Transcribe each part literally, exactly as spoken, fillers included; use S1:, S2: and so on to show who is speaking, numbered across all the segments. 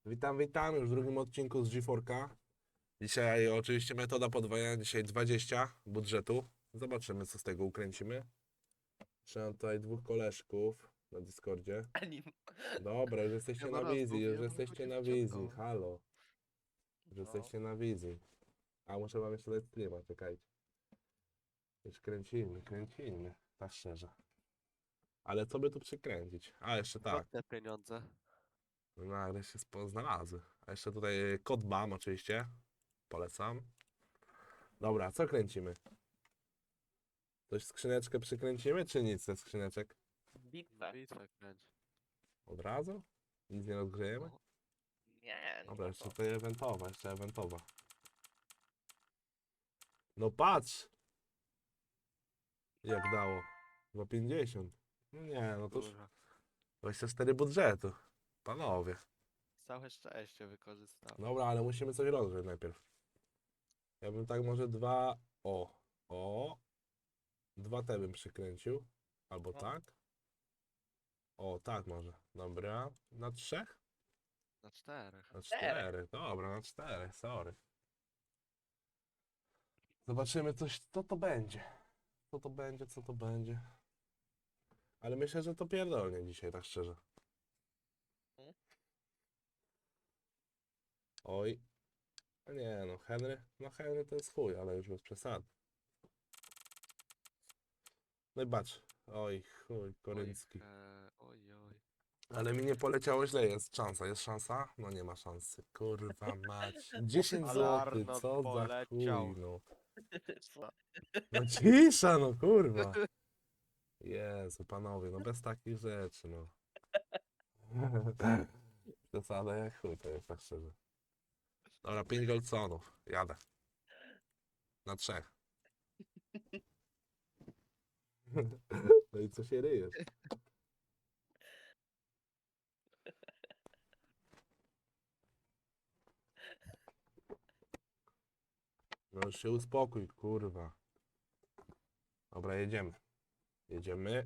S1: Witam, witam już w drugim odcinku z G cztery K. Dzisiaj oczywiście metoda podwajania, dzisiaj dwadzieścia budżetu. Zobaczymy, co z tego ukręcimy. Trzymam tutaj dwóch koleżków na Discordzie.
S2: Anim.
S1: Dobra, już jesteście
S3: Ja
S1: na
S3: na raz
S1: wizji, już
S3: mówiłem,
S1: jesteście
S3: tylko
S1: na
S3: się
S1: wizji,
S3: wciągnął.
S1: halo. Już
S2: No.
S1: jesteście na wizji. A muszę wam jeszcze dać streama, czekajcie. Już kręcimy, kręcimy, tak szczerze. Ale co by tu przykręcić? A, jeszcze tak.
S3: Skąd te pieniądze?
S1: No nagle się spo- znalazły. A jeszcze tutaj kod B A M oczywiście. Polecam. Dobra, co kręcimy? Coś skrzyneczkę przykręcimy, czy nic ze skrzyneczek?
S2: Bitwę.
S3: Bitwę kręć.
S1: Od razu? Nic nie rozgrzejemy?
S3: No.
S2: Nie,
S1: Dobra,
S2: no
S1: jeszcze
S2: to.
S1: tutaj eventowa, jeszcze eventowa. No patrz! Jak dało? dwa pięćdziesiąt. No nie, no to już
S3: Kurwa.
S1: dwadzieścia cztery budżetu. Panowie.
S3: Całe szczęście wykorzystał.
S1: Dobra, ale musimy coś rozgrzeć najpierw. Ja bym tak może dwa... O, o. Dwa te bym przykręcił. Albo
S2: No.
S1: tak. O, tak może. Dobra. Na trzech?
S3: Na czterech.
S1: Na
S2: Czterech.
S1: cztery. Dobra, na cztery, sorry. Zobaczymy coś, co to będzie. Co to będzie, co to będzie. Ale myślę, że to pierdolnie dzisiaj, tak szczerze.
S2: Hmm?
S1: Oj. No nie no, Henry. No Henry to jest chuj, ale już bez przesady. No i patrz. Oj, chuj, koryncki.
S3: Oj, e, oj, oj.
S1: Ale mi nie poleciało źle, jest szansa, jest szansa? No nie ma szansy, kurwa mać. dziesięć
S3: Ale
S1: złotych,
S3: Arnold
S1: co za
S3: poleciał.
S1: chuj, no.
S2: Co?
S1: No cisza, no kurwa. Jezu, panowie, no bez takich rzeczy, no. Przesada jak chuj, to jest tak szczerze. Dobra, pięć goldsonów, jadę. Na trzech. No i co się ryjesz? No już się uspokój, kurwa. Dobra, jedziemy. Jedziemy.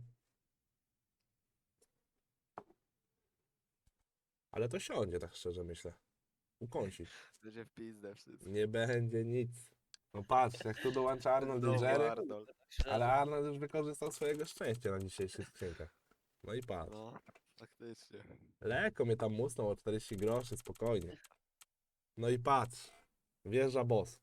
S1: Ale to siądzie, tak szczerze myślę. Ukąsi.
S3: Będzie w pizdę wszystko.
S1: Nie będzie nic. No patrz, jak tu dołącza Arnold i
S3: Znowu
S1: Jerry,
S3: Arnold.
S1: ale Arnold już wykorzystał swojego szczęścia na dzisiejszych skrzynkach. No i patrz.
S3: No, faktycznie.
S1: Lekko mnie tam musnął o czterdzieści groszy, spokojnie. No i patrz. Wjeżdża boss.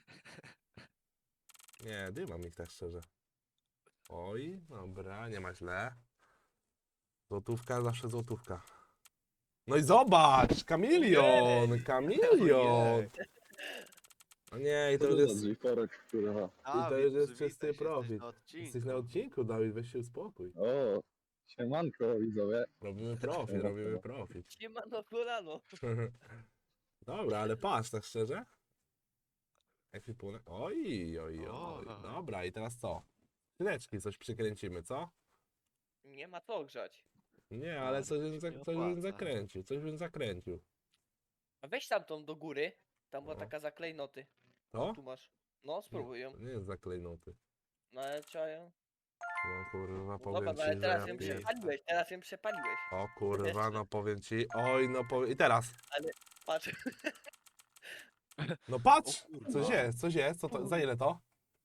S1: Nie, dymam ich tak szczerze. Oj, dobra, nie ma źle. Złotówka, zawsze złotówka. No i zobacz! Kamilion!
S2: Ojej.
S1: Kamilion! No nie, i to już jest, i
S4: Korek, kurwa.
S1: to
S3: Dawid,
S1: już jest
S3: przywitaj
S1: czysty
S3: się, jesteś
S1: profit.
S3: na odcinku.
S1: Jesteś na odcinku, Dawid, weź się uspokój.
S4: O, siemanko widzowie.
S1: Robimy profit, robimy profit.
S2: Siemano kolano.
S1: Dobra, ale patrz, tak szczerze. Ekwipunek. Oj, oj,
S3: O.
S1: oj. Dobra, i teraz co? Skrzyneczki coś przykręcimy, co?
S2: Nie ma co grzać.
S1: Nie,
S3: A,
S1: ale
S3: to
S1: coś
S3: się
S1: bym, za,
S3: nie
S1: coś bym
S3: opłaca.
S1: zakręcił, coś bym zakręcił.
S2: A weź tamtą do góry. Tam była
S1: No.
S2: taka zaklejnoty.
S1: To?
S2: Tu masz. No, spróbuj ją.
S1: To nie jest zaklejnoty.
S2: No ale trzeba ją.
S1: No kurwa,
S2: No
S1: powiem
S2: dobra, no
S1: ci,
S2: ale
S1: że
S2: teraz
S1: ja
S2: ją
S1: pier...
S2: przepaliłeś, teraz ją przepaliłeś.
S1: O kurwa, no powiem ci. Oj, no powiem. I teraz.
S2: Patrz.
S1: No patrz!
S3: O kurwa.
S1: Coś jest, coś jest. Co to? Za ile to?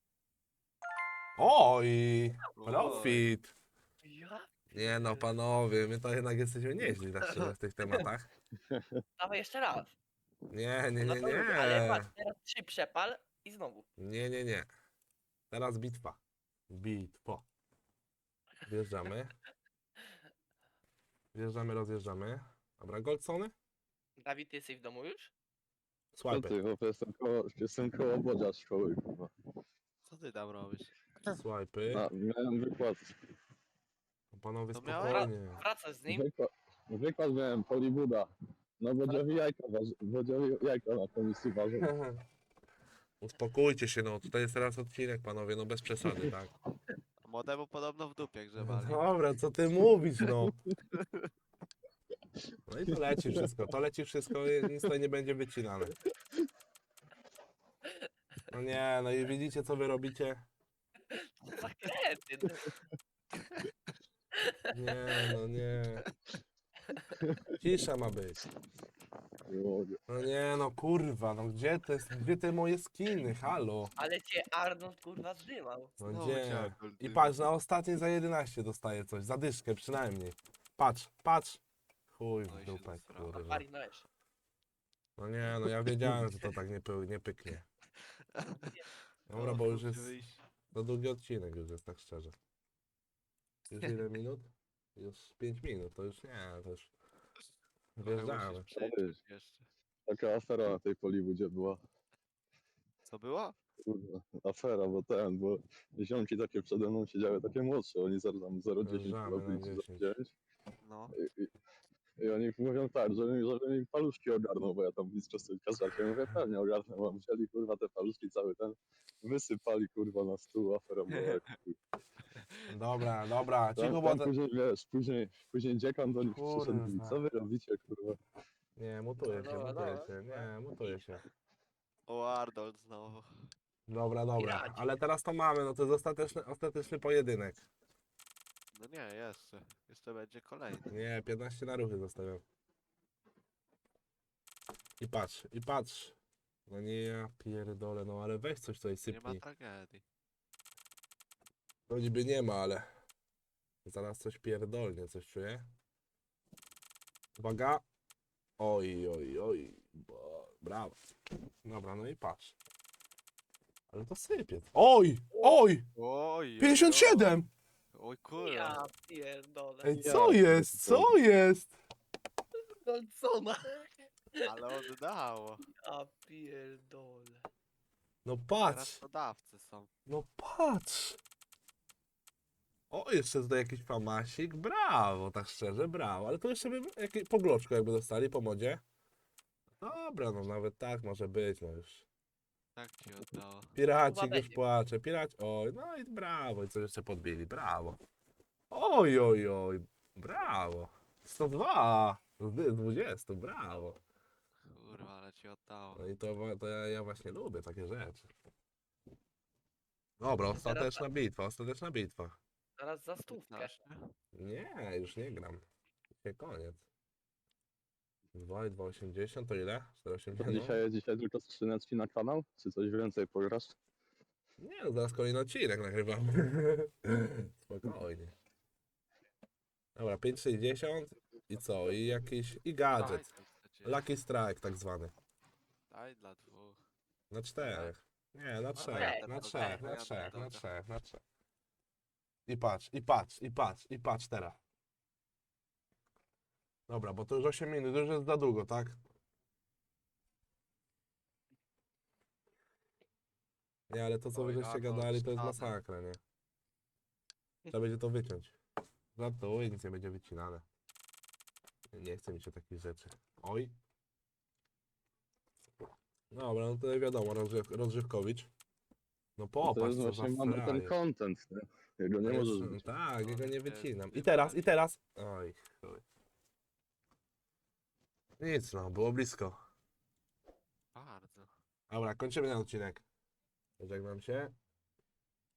S1: Oj! Profit!
S2: Ja?
S1: Nie no, panowie, my to jednak jesteśmy nieźli tak szczerze w tych tematach.
S2: Dawaj jeszcze raz.
S1: Nie, nie,
S2: No
S1: nie,
S2: to lubię, ale
S1: nie.
S2: patrz, teraz trzy przepal i znowu.
S1: Nie, nie, nie. Teraz bitwa. Bitwa. Wjeżdżamy. Wjeżdżamy, rozjeżdżamy. Dobra, goldsony?
S2: Dawid, ty jesteś w domu już?
S4: Co
S1: Swipe.
S4: ty, chłopie, jestem koło, jestem koło bodzia szkoły, kurwa.
S3: Co ty tam robisz?
S1: Swipe.
S4: A, miałem wykład,
S1: Panowie,
S3: To miałeś?
S1: spokojnie.
S2: Wracasz z nim?
S4: wykład, wykład miałem, Polibuda. No bodziowi jajka, waży, bodziowi jajka na komisji ważą.
S1: Uspokójcie się, no. Tutaj jest teraz odcinek, panowie, no bez przesady, tak?
S3: A młodemu podobno w dupie grzebali.
S1: Dobra, co ty mówisz, no? No i to leci wszystko, to leci wszystko i nic tutaj nie będzie wycinane. No nie, no i widzicie, co wy robicie?
S2: Zakręty. no.
S1: Nie, no nie. Cisza ma być.
S4: Nie mogę.
S1: No nie no kurwa, no gdzie te, gdzie te moje skiny, halo?
S2: Ale cię Arnold kurwa zdymał.
S1: No
S3: Znowu
S1: gdzie?
S3: cię Arnold
S1: I
S3: dymi.
S1: patrz, na ostatniej za jedenaście dostaję coś, zadyszkę przynajmniej. Patrz, patrz. Chuj
S3: No
S1: w
S3: i się
S1: dupę,
S3: zesrała.
S1: kurwa.
S2: Pari no jeszcze.
S1: No nie, no ja wiedziałem, że to tak nie, py, nie pyknie. Dobra,
S3: O,
S1: bo już
S3: muszę
S1: jest
S3: wyjść.
S1: za długi odcinek, już jest tak szczerze. Już ile minut? Już pięć minut, to już nie, to już
S3: Trochę
S1: wjeżdżamy.
S3: musisz przyjść jeszcze.
S4: Taka afera na tej Polibudzie była.
S3: Co było?
S4: Kurwa, afera, bo ten, bo ziomki takie przede mną siedziały, takie młodsze, oni zero tam zero dziesięć
S1: Wjeżdżamy
S4: chyba
S1: na
S4: byli, czy
S1: dziesięć.
S4: zero dziewięć.
S3: No.
S4: I, i, I oni mówią tak, że mi, że mi paluszki ogarną, bo ja tam blisko sobie kazakiem. Mówię, pewnie ogarnę, mam wzięli kurwa te paluszki cały ten, wysypali kurwa na stół, afera była jak chuj.
S1: Dobra, dobra, cicho,
S4: Tam,
S1: bo...
S4: tam
S1: te-
S4: później, wiesz, później, później dziekan do nich przyszedł i mówi,
S1: Kurwa.
S4: co wy robicie kurwa?
S1: Nie, mutuję się,
S2: Dobra,
S1: mutuję
S2: dobra.
S1: się, nie, mutuję się.
S3: O, Arnold znowu.
S1: Dobra, dobra,
S2: Piraci.
S1: ale teraz to mamy, no to jest ostateczny, ostateczny pojedynek.
S3: No nie, jeszcze. Jeszcze będzie kolejny.
S1: Nie, piętnaście na ruchy zostawiam. I patrz, i patrz. No nie, ja pierdolę, no ale weź coś tutaj
S3: Nie ma
S1: sypnij.
S3: tragedii.
S1: No niby nie ma, ale... Zaraz coś pierdolnie, coś czuję. Uwaga. Oj, oj, oj. Bo- Brawo. Dobra, no i patrz. Ale to sypie. Oj, oj,
S3: Oj,
S1: pięćdziesiąt siedem!
S3: Oj, kurwa.
S2: Ja pierdolę.
S1: Ej,
S4: Ja
S1: co jest, co jest?
S2: Golcona.
S3: Ale oddało.
S2: Ja pierdolę.
S1: No
S3: Teraz
S1: patrz,
S3: to dawcy są.
S1: no patrz. O, jeszcze tutaj jakiś famasik, brawo, tak szczerze, brawo. Ale to jeszcze bym, jakiś, po gloczku jakby dostali, po modzie. Dobra, no nawet tak może być, no już.
S3: Tak ci oddało.
S1: Piracik
S2: Chyba
S1: już
S2: będzie.
S1: płacze, piraci, oj, no i brawo, i co jeszcze podbili, brawo. Oj, oj, oj, brawo. sto dwa z dwudziestu, brawo.
S3: Kurwa, ale ci oddało.
S1: No i to, wa- to ja, ja właśnie lubię takie rzeczy. Dobra, ostateczna bitwa, ostateczna bitwa.
S2: Teraz za stówkę.
S3: piętnaście.
S1: Nie, już nie gram. Dzisiaj koniec. dwa i dwa osiemdziesiąt to ile? cztery osiemdziesiąt? No.
S4: Dzisiaj, dzisiaj tylko skrzyneczki na kanał? Czy coś więcej pograsz?
S1: Nie, no zaraz kolejny odcinek nagrywamy. Spokojnie. Dobra, pięć sześćdziesiąt i co? I jakiś, i
S3: Daj
S1: gadżet.
S3: coś chcecie.
S1: Lucky Strike tak zwany.
S3: Daj dla dwóch.
S1: Na czterech. Nie, na trzech,
S2: Ej,
S1: na
S3: to
S1: trzech,
S3: daj,
S1: na
S3: ja
S1: trzech,
S3: dam
S1: na
S3: droga.
S1: trzech, na trzech. I patrz, i patrz, i patrz, i patrz teraz. Dobra, bo to już osiem minut, już jest za długo, tak? Nie, ale to co wy
S3: Oj,
S1: żeście
S3: Arnold,
S1: gadali to jest
S3: szkoda.
S1: masakra, nie? Trzeba będzie to wyciąć. Żartuję, nic nie będzie wycinane. Nie chce mi się takich rzeczy. Oj. Dobra, no to wiadomo, rozgrzew, rozgrzewkowicz. No
S4: To
S1: popatrz,
S4: jest
S1: co za
S4: właśnie mamy ten
S1: frajer.
S4: content, nie? Jego nie
S1: To
S4: możesz
S1: jest-
S4: być.
S1: Tak,
S3: No,
S1: jego nie
S3: jest
S1: wycinam. I
S3: tym
S1: teraz, i
S3: bardziej.
S1: teraz. Oj, chuj. Nic no, było blisko.
S3: Bardzo.
S1: Dobra, kończymy ten odcinek. Żegnam się.